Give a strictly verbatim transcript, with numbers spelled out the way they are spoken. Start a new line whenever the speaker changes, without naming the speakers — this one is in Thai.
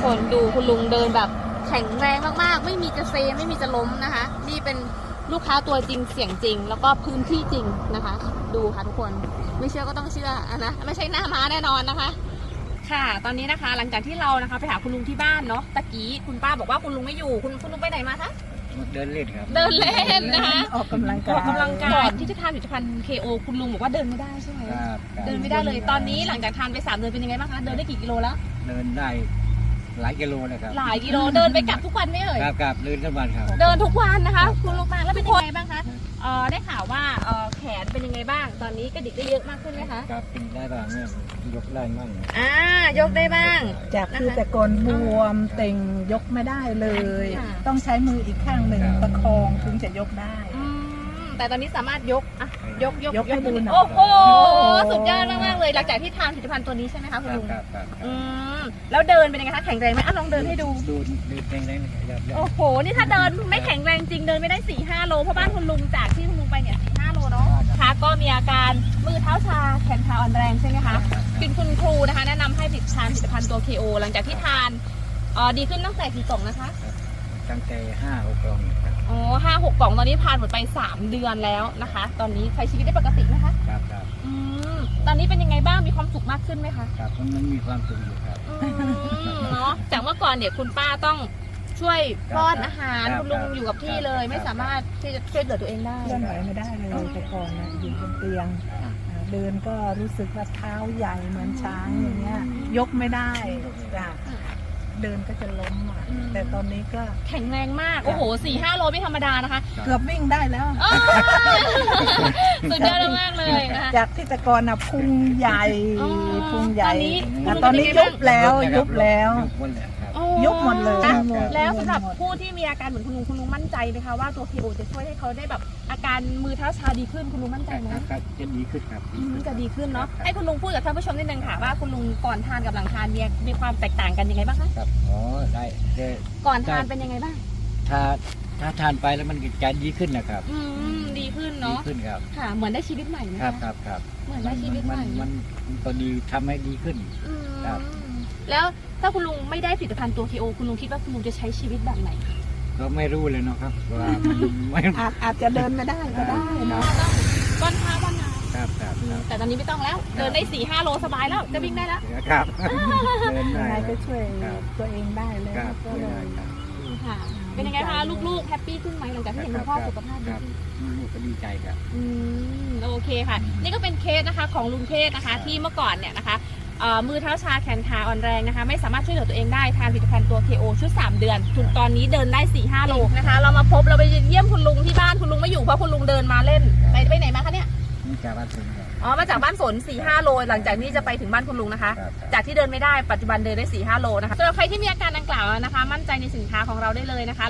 คนดูคุณลุงเดินแบบแข็งแรงมากๆไม่มีจะเซไม่มีจะล้มนะคะนี่เป็นลูกค้าตัวจริงเสียงจริง แล้วก็พื้นที่จริงนะคะ ดูค่ะทุกคนไม่เชื่อก็ต้องเชื่อนะไม่ใช่หน้าม้าแน่นอนนะคะค่ะตอนนี้นะคะหลังจากที่เรานะคะไปหาคุณลุงที่บ้านเนาะตะกี้คุณป้าบอกว่าคุณลุงไม่อยู่คุณคุณลุงไปไหนมาคะ
เดินเล่นครับ
เดินเล่นนะคะ
ออกกำลังกาย
ออกกำลังกายก่อนที่จะทานผลิตภัณฑ์ เค โอ คุณลุงบอกว่าเดินไม่ได้ใช่ไหมเดินไม่ได้เลยตอนนี้หลังจากทานไปสามเดือนเป็นยังไงบ้างคะเดินได้กี่กิโลแล้ว
เดินได้หลายกิโลเลยครับ
หลายกิโลเดินไปกลับทุกวันไหมเอ่ย
ครับครับเดินทุกวันครับ
เดินทุกวันนะคะคุณลุงมาแล้วเป็นยังไงบ้างคะเอ่อได้ข่าวว่าเอ่อแขนเป็นยังไงบ้างตอนนี้กระดิกได้เยอะมากขึ้นไหมคะ
ครับเป็นได้บ้างเนี่ยยกได้บ้าง
อ่ายกได้บ้าง
จากที่แต่ก่อนบวมเต่งยกไม่ได้เลย ต้องใช้มืออีกข้างหนึ่งประคองถึงจะยกได้
แต่ตอนนี้สามารถยกอ่ะยกยก
ยกให้ดูหน่อย
โอ้โหสุดยอดมากๆเลยหลังจากที่ทานผลิตภัณฑ์ตัวนี้ใช่ไหมคะคุณลุง
ครับครับ
อืมแล้วเดินเป็นยังไงคะแข็งแรงไหมอ่ะลองเดินให้ดู
ดูดูแข็งแรง
โอ้โหนี่ถ้าเดินไม่แข็งแรงจริงเดินไม่ได้สี่ห้าโลเพราะบ้านคุณลุงจากที่คุณลุงไปเนี่ยสี่ห้าโลเนาะค่ะก็มีอาการมือเท้าชาแขนขาอ่อนแรงใช่ไหมคะเป็นคุณครูนะคะแนะนำให้ผลิตทานผลิตภัณฑ์ตัว เค โอ หลังจากที่ทานอ๋อดีขึ้นตั้งแต่กี่กล่องนะคะ
ตั้งแต่ห้าหกกล่องครับ
อ๋อห้าหกกล่องตอนนี้ทานหมดไปสามเดือนแล้วนะคะตอนนี้ใช้ชีวิตได้ปกติไหมคะ
ครับครับ
อืมตอนนี้เป็นยังไงบ้างมีความสุขมากขึ้นไหมคะ
ครับมันมีความสุขอยู่ครับ
เนาะจากเมื่อก่อนเนี่ยคุณป้าต้องช่วยป้อนอาหารคุณลุงอยู่กับที่เลยไม่สามารถที่จะช่วยเหลือตัวเองได้
เคลื่อนไหวไม่ได้เลยแต่ก่อนนะอยู่บนเตียงเดินก็รู้สึกว่าเท้าใหญ่เหมือนช้างอย่างเงี้ยยกไม่ได้จ้ะเดินก็จะล้มอ่ะแต่ตอนนี้ก็
แข็งแรงมากโอ้โหสี่ห้าโลไม่ธรรมดานะคะ
เกือบวิ่งได้แล้ว
สุดยอดมากเลยนะคะ
จากที่แต่ก่อนน่ะพุงใหญ่พุงใหญ่ตอนนี้ยุบแล้วยุบแล้วยุบหมดเลย
แล้วสำหรับผู้ที่มีอาการเหมือนคุณลุงคุณลุงมั่นใจไหมคะว่าตัว เค โอ จะช่วยให้เขาได้แบบอาการมือเท้าชาดีขึ้นคุณลุงมั่นใจไหม
ครับจะดีขึ้นครับ
จะดีขึ้นเนาะให้คุณลุงพูดกับท่านผู้ชมนิดนึงค่ะว่าคุณลุงก่อนทานกับหลังทานมีมีความแตกต่างกันยังไงบ้างคะ
ครับอ๋อได้
ก่อนทานเป็นยังไงบ้าง
ถ้าถ้าทานไปแล้วมันจะดีขึ้นนะครับ
อืมดีขึ้นเนาะ
ดีขึ้นครับ
ค่ะเหมือนได้ชีวิตใหม่ไหม
ครับครับครับ
เหมือนได้ชีวิตใหม่
มันมันก็ดีทำให้ดีขึ้นครับ
แล้วถ้าคุณลุงไม่ได้ผลิตภัณฑ์ตัว เค โอ คุณลุงคิดว่าคุณลุงจะใช้ชีวิตแบบไหน
ก็ไม่รู้เลยเนาะครับว่า
อาจอาจจะเดินไม่ได้ก็ได้เนาะ
ก้อนขาบ้านนา
ครับครับ
แต่ตอนนี้ไม่ต้องแล้วเดินได้สี่ห้าโลสบายแล้วจะวิ่งได้แล้ว
ครับเดิน
ได้ก็ช่วยตัวเองได้เลยก็เลย
ค่ะเป็นยังไงคะลูกๆแฮปปี้ขึ้นไหมหลังจากที่เห็นคุณพ่อสุขภาพดี
ลูกก็ดีใจครับ
อืมโอเคค่ะนี่ก็เป็นเคสนะคะของลุงเทศนะคะที่เมื่อก่อนเนี่ยนะคะมือเท้าชาแขนขาอ่อนแรงนะคะไม่สามารถช่วยเหลือตัวเองได้ทานผลิตภัณฑ์ตัว เค โอ ชุดสามเดือนถึงตอนนี้เดินได้ สี่ห้า โลนะคะเรามาพบเราไปเยี่ยมคุณลุงที่บ้านคุณลุงไม่อยู่เพราะคุณลุงเดินมาเล่นไปไปไหนมาคะเนี่ย
มาจากบ้านฝน
อ๋อมาจากบ้านฝน สี่ห้า โลหลังจากนี้จะไปถึงบ้านคุณลุงนะคะจากที่เดินไม่ได้ปัจจุบันเดินได้ สี่ห้า โลนะคะสำหรับใครที่มีอาการดังกล่าวนะคะมั่นใจในสินค้าของเราได้เลยนะคะ